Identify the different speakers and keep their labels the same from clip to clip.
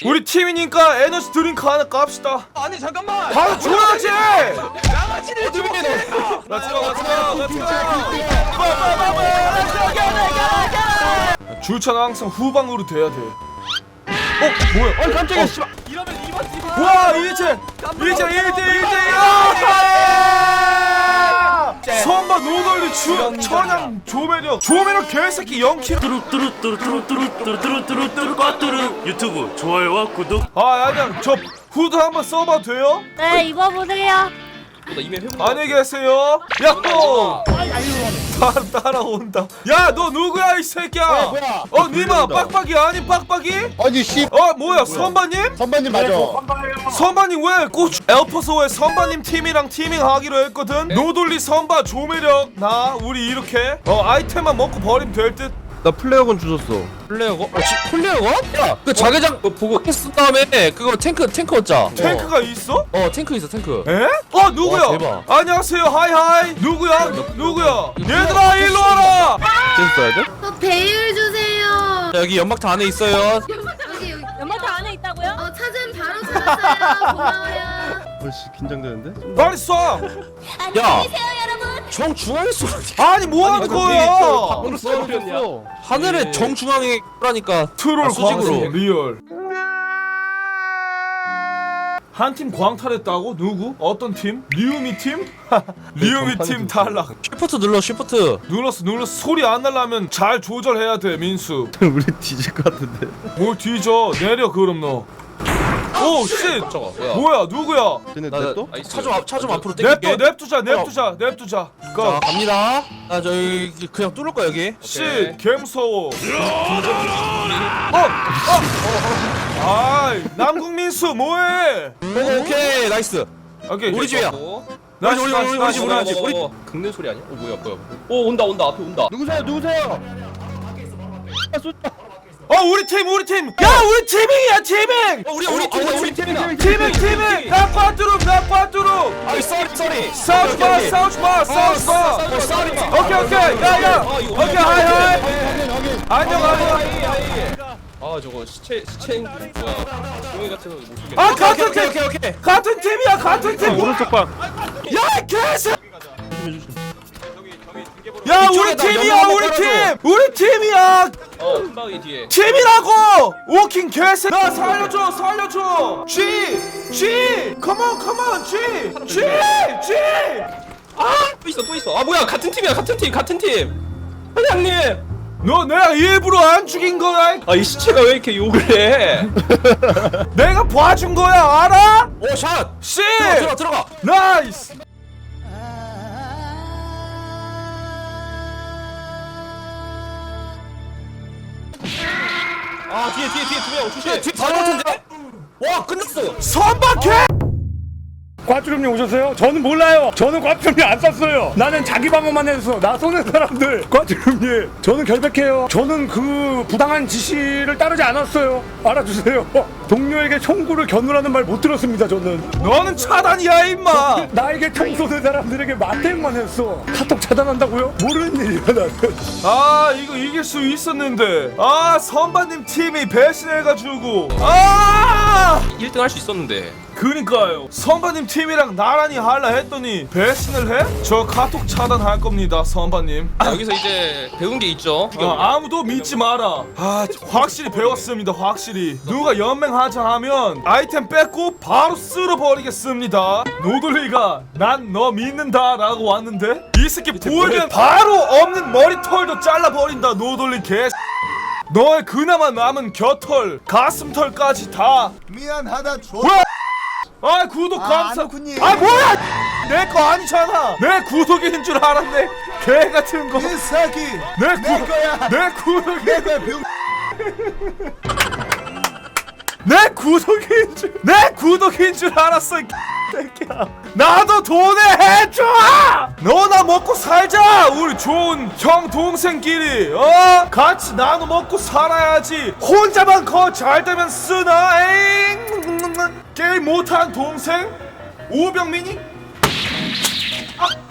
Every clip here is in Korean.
Speaker 1: 우리 팀이니까 에너지 드링크 하나 깝시다.
Speaker 2: 아니 잠깐만.
Speaker 1: 바로 줘야지.
Speaker 2: 양아치를 좀 해.
Speaker 1: 주차는 항상 후방으로 돼야 돼. 뭐야?
Speaker 2: 깜짝이야. 씨발. 이러면 이번
Speaker 1: 와 이제 1대1 선바 노걸리 천양 조매력 개새끼 0킬.
Speaker 3: 뚜루뚜루뚜루뚜루뚜루뚜루뚜루 유튜브 좋아요와 구독.
Speaker 1: 아니야 저 후드 한번 써봐도 돼요?
Speaker 4: 네, 입어보세요.
Speaker 1: 안녕히 계세요. 야호 따라온다. 야 너 누구야 이 새끼야?
Speaker 5: 뭐야?
Speaker 1: 니마 빡빡이 아니 빡빡이?
Speaker 5: 아니 씨
Speaker 1: 뭐야 선바님?
Speaker 5: 선반님 맞아.
Speaker 1: 선바님 왜 꼭 엘퍼소에 선바님 팀이랑 티밍하기로 했거든? 노돌리 선바 조매력 나 우리 이렇게 아이템만 먹고 버리면 될 듯.
Speaker 6: 나 플레어건 주셨어.
Speaker 2: 플레어건? 플레어건? 야, 그 자개장 보고 했은 다음에 그거 탱크 얻자.
Speaker 1: 탱크가 있어?
Speaker 2: 탱크 있어 탱크.
Speaker 1: 에? 누구야?
Speaker 2: 와, 대박.
Speaker 1: 안녕하세요 하이하이 누구야? 얘들아 일로 와라.
Speaker 6: 댄스 써야 돼?
Speaker 4: 배율 주세요.
Speaker 2: 여기 연막탄 안에 있어요.
Speaker 4: 여기
Speaker 7: 연마타 안에 있다고요?
Speaker 4: 찾은 바로 찾았어요. 고마워요.
Speaker 6: 벌써 긴장되는데?
Speaker 1: 빨리 쏴.
Speaker 2: 야, 정 중앙에 쏘.
Speaker 1: 아니 뭐하는 거야?
Speaker 6: 밖으로 쏘버렸냐?
Speaker 2: 하늘에 정 중앙에 쏘라니까.
Speaker 1: 트롤
Speaker 2: 수직으로.
Speaker 1: 광수 리얼. 한 팀 광탈했다고? 누구? 어떤 팀? 리우미 팀? 리우미 팀 탈락.
Speaker 2: 쉬프트 눌러 쉬프트.
Speaker 1: 눌렀어. 소리 안 날라면 잘 조절해야 돼 민수.
Speaker 6: 우리 뒤질 것 같은데.
Speaker 1: 뭘 뒤져? 내려 그럼 너. 오 씨. 뭐야 누구야?
Speaker 6: 쟤네 냅둬?
Speaker 2: 차좀 앞으로 당길게.
Speaker 1: 냅두자.
Speaker 2: 자 갑니다. 저기 그냥 뚫을 거야 여기.
Speaker 1: 씨 개무서워. 아이 남궁민수 뭐해?
Speaker 2: 오케이 나이스.
Speaker 1: 오케이
Speaker 2: 우리 집이야.
Speaker 1: 나이스.
Speaker 2: 우리 집.
Speaker 8: 긁는 소리 아니야? 뭐야 온다 앞에 온다.
Speaker 5: 누구세요?
Speaker 1: 우리 팀. 야 우리 팀이야 팀ing.
Speaker 2: 우리 팀이다.
Speaker 1: 팀ing. 나 꽈뚜룩.
Speaker 2: 아이 쏘리.
Speaker 1: 싸우지 마. 오케이. 야야. 오케이 하이. 안녕.
Speaker 8: 아 저거 시체 뭐야? 종이 같은 거 못 쓰게.
Speaker 1: 같은 팀.
Speaker 2: 오케이.
Speaker 1: 같은 팀이야. 같은 팀.
Speaker 6: 오른쪽 방.
Speaker 1: 야 개새. 야 우리 팀이야. 우리 팀이야.
Speaker 8: 한방이 뒤에.
Speaker 1: 팀이라고! 오킹 개새. 나 살려줘. G. Come on. G.
Speaker 8: 또 있어. 아 뭐야 같은 팀. 사장님.
Speaker 1: 너 내가 일부러 안 죽인 거야.
Speaker 8: 이 시체가 왜 이렇게 욕을 해?
Speaker 1: 내가 봐준 거야. 알아?
Speaker 2: 오 샷.
Speaker 1: C.
Speaker 2: 들어가.
Speaker 1: 나이스.
Speaker 8: 뒤에 조심.
Speaker 2: 뒤 바로 같은데? 와 끝났어.
Speaker 1: 선박해.
Speaker 9: 과주름님 오셨어요? 저는 몰라요. 저는 과주름님 안 쐈어요. 나는 자기 방어만 했어. 나 쏘는 사람들. 과주름님, 저는 결백해요. 저는 그 부당한 지시를 따르지 않았어요. 알아주세요. 동료에게 총구를 겨누라는 말 못 들었습니다. 저는.
Speaker 1: 너는 차단이야 임마.
Speaker 9: 나에게 총 쏘는 사람들에게 맞대응만 했어. 카톡 차단한다고요? 모르는 일이야 나는.
Speaker 1: 이거 이길 수 있었는데. 선바님 팀이 배신해가지고.
Speaker 8: 1등 할 수 있었는데.
Speaker 1: 그니까요. 선바님 팀이랑 나란히 할라 했더니 배신을 해? 저 카톡 차단할 겁니다 선바님.
Speaker 8: 여기서 이제 배운 게 있죠.
Speaker 1: 아무도 믿지 마라. 확실히 배웠습니다. 확실히 누가 연맹하자 하면 아이템 뺏고 바로 쓸어버리겠습니다. 노돌리가 난 너 믿는다 라고 왔는데 이 새끼 보이면 바로 없는 머리털도 잘라버린다. 노돌리 개. 너의 그나마 남은 겨털 가슴털까지 다.
Speaker 5: 미안하다 조.
Speaker 1: 뭐야? 구독 감사.
Speaker 5: 아니군요.
Speaker 1: 뭐야? 내 거 아니잖아. 내 구독인 줄 알았네. 개 같은 거.
Speaker 5: 인사기.
Speaker 1: 내 구독. 내 구독인.
Speaker 5: 내가 병.
Speaker 1: 내 구독인 줄 알았어. 이 새끼야. 나도 돈에 해줘. 너나 먹고 살자. 우리 좋은 형 동생끼리 같이 나눠 먹고 살아야지. 혼자만 잘 되면 쓰나. 에잉. 게임 못한 동생 오병민이.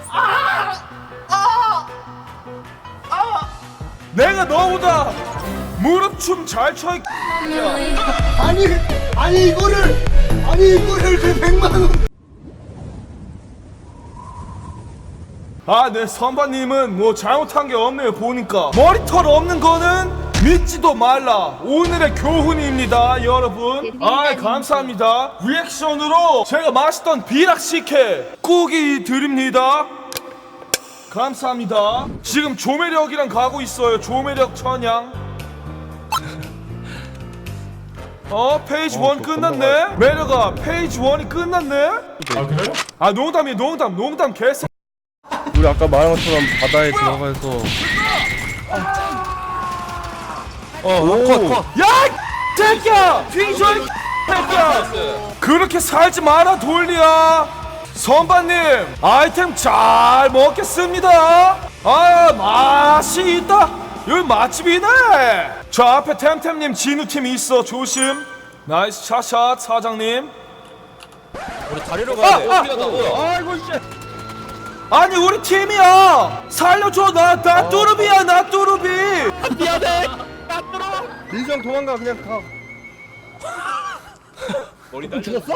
Speaker 1: 내가 너보다 무릎 춤 잘 춰.
Speaker 5: 아니 이거를 그 100만 원.
Speaker 1: 아, 네, 선반님은 뭐 잘못한 게 없네요. 보니까 머리털 없는 거는 믿지도 말라. 오늘의 교훈입니다, 여러분. 아, 감사합니다. 리액션으로 제가 맛있던 비락식혜 꾸기 드립니다. 감사합니다. 지금 조매력이랑 가고 있어요. 조매력 천양. 페이지 1 끝났네. 매력아, 페이지 1이 끝났네.
Speaker 9: 아 그래요?
Speaker 1: 아, 농담이에요. 농담 개새.
Speaker 6: 우리 아까 말한 것처럼 바다에 들어가서
Speaker 2: 컷.
Speaker 1: 야, 이 새끼야! 뒤져, 이 새끼야! 그렇게 살지 마라, 돌리야! 선반님, 아이템 잘 먹겠습니다! 아, 맛이 있다! 여기 맛집이네! 저 앞에 템템님 진우팀이 있어, 조심! 나이스 샷샷, 사장님.
Speaker 2: 우리 다리로 가야 돼.
Speaker 8: 어디가 뭐야?
Speaker 6: 아이고 씨.
Speaker 1: 아니, 우리 팀이야! 살려줘, 나 뚜루비야, 나 뚜루비!
Speaker 6: 민수형 도망가 그냥 가.
Speaker 8: 머리 죽었어?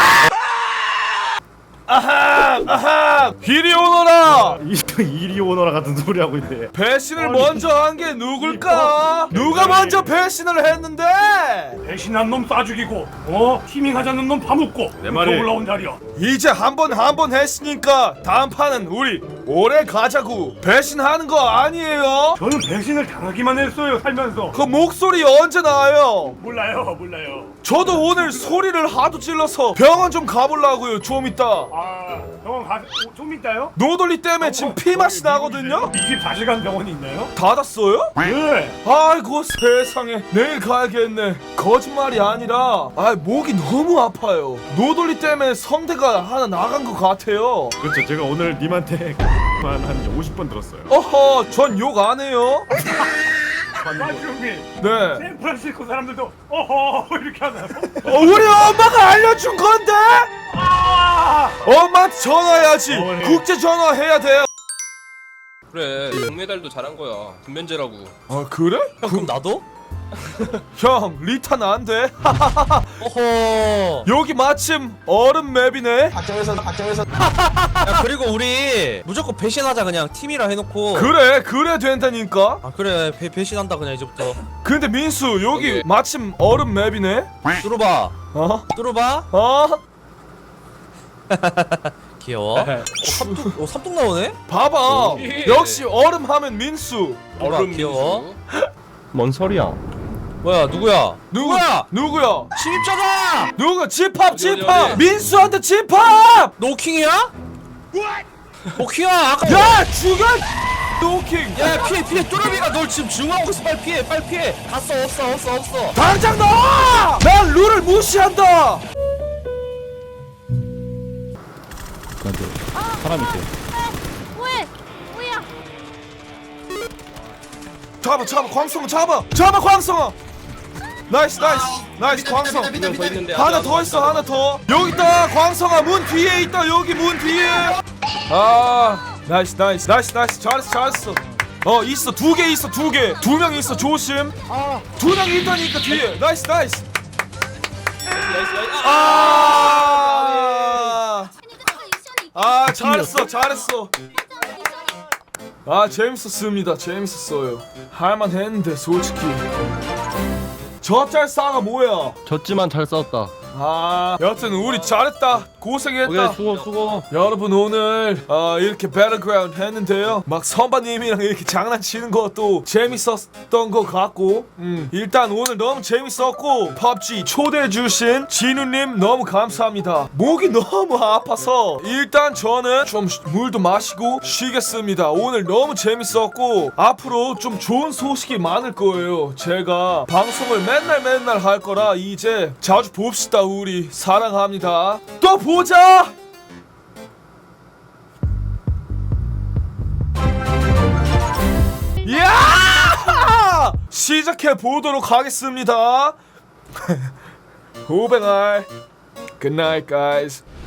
Speaker 1: 아하! 이리 오너라!
Speaker 9: 이리 오너라 같은 소리 하고 있네.
Speaker 1: 배신을 먼저 한 게 누굴까? 누가 먼저 배신을 했는데?
Speaker 9: 배신한 놈 쏴 죽이고 티밍 하자는 놈 파묻고 내
Speaker 5: 말이-
Speaker 9: 올라온 자리야.
Speaker 1: 이제 한 번 했으니까 다음 판은 우리 오래 가자고. 배신하는 거 아니에요?
Speaker 9: 저는 배신을 당하기만 했어요 살면서.
Speaker 1: 그 목소리 언제 나와요?
Speaker 9: 몰라요.
Speaker 1: 저도 오늘 소리를 하도 찔러서 병원 좀 가보려고요. 좀 이따.
Speaker 9: 아 병원 좀 있다요?
Speaker 1: 노돌리 때문에 지금 피맛이 나거든요?
Speaker 9: 24시간 병원이 있나요?
Speaker 1: 닫았어요?
Speaker 9: 네.
Speaker 1: 아이고 세상에, 내일 가야겠네. 거짓말이 아니라 목이 너무 아파요. 노돌리 때문에 성대가 하나 나간 것 같아요.
Speaker 9: 그렇죠. 제가 오늘 님한테 한 50번 들었어요.
Speaker 1: 어허, 전 욕 안 해요.
Speaker 9: 과주형님,
Speaker 1: 네.
Speaker 9: 샌프란시스코 사람들도 어허 이렇게 하나요?
Speaker 1: 우리 엄마가 알려준 건데? 엄마한테 전화해야지.
Speaker 9: 어머니.
Speaker 1: 국제 전화해야 돼요.
Speaker 8: 그래 동메달도 잘한 거야. 김면제라고.
Speaker 1: 아, 그래?
Speaker 2: 형 그럼 나도?
Speaker 1: 형, 리타는 안 돼.
Speaker 2: 어허.
Speaker 1: 여기 마침 얼음 맵이네.
Speaker 2: 야 그리고 우리 무조건 배신하자 그냥 팀이라 해놓고.
Speaker 1: 그래 된다니까.
Speaker 2: 아 그래 배신한다 그냥 이제부터.
Speaker 1: 근데 민수, 여기
Speaker 8: 오케이.
Speaker 1: 마침 얼음 맵이네.
Speaker 2: 뚫어봐.
Speaker 1: 어?
Speaker 2: 뚫어봐. 귀여워. 삼뚝 나오네?
Speaker 1: 봐봐.
Speaker 8: 예.
Speaker 1: 역시 얼음 하면 민수.
Speaker 2: 어라 귀여워.
Speaker 6: 뭔 소리야?
Speaker 2: 뭐야 누구야? 누구야?
Speaker 1: 누구야?
Speaker 2: 침입자다!
Speaker 1: 누구? 집합
Speaker 8: 어디, 어디?
Speaker 1: 민수한테 집합.
Speaker 2: 노킹이야? 노킹이야 아까.
Speaker 1: 야, 죽여. 노킹.
Speaker 2: 야 피해 뚜러비가 널 지금 증오하고 있어. 빨리 피해. 갔어 없어.
Speaker 1: 당장 나와. 난 룰을 무시한다.
Speaker 6: 사람 있대.
Speaker 4: 뭐야?
Speaker 1: 잡아 광성아. 나이스 광성.
Speaker 8: 한명 더 있는데
Speaker 1: 하나 더 있어, 하나 더. 여기 있다, 광성아. 문 뒤에 있다. 여기 문 뒤에. 나이스. 잘했어. 있어. 두 개 있어. 두 명 있어. 조심. 두 명 있다니까 뒤에. 나이스. 잘했어. 재밌었어요. 할만했는데 솔직히. 저 짤 싸가 뭐야?
Speaker 6: 졌지만 잘 싸웠다.
Speaker 1: 여튼 우리 잘했다. 고생했다.
Speaker 6: 오케이 수고.
Speaker 1: 여러분, 오늘 이렇게 배틀그라운드 했는데요. 막 선바님이랑 이렇게 장난치는 것도 재밌었던 것 같고, 일단 오늘 너무 재밌었고, 펍지 초대해주신 진우님 너무 감사합니다. 목이 너무 아파서 일단 저는 좀 물도 마시고 쉬겠습니다. 오늘 너무 재밌었고, 앞으로 좀 좋은 소식이 많을 거예요. 제가 방송을 맨날 할 거라 이제 자주 봅시다. 우리 사랑합니다. 또 보자. 야! 시작해 보도록 하겠습니다. 오뱅알. Good night, guys.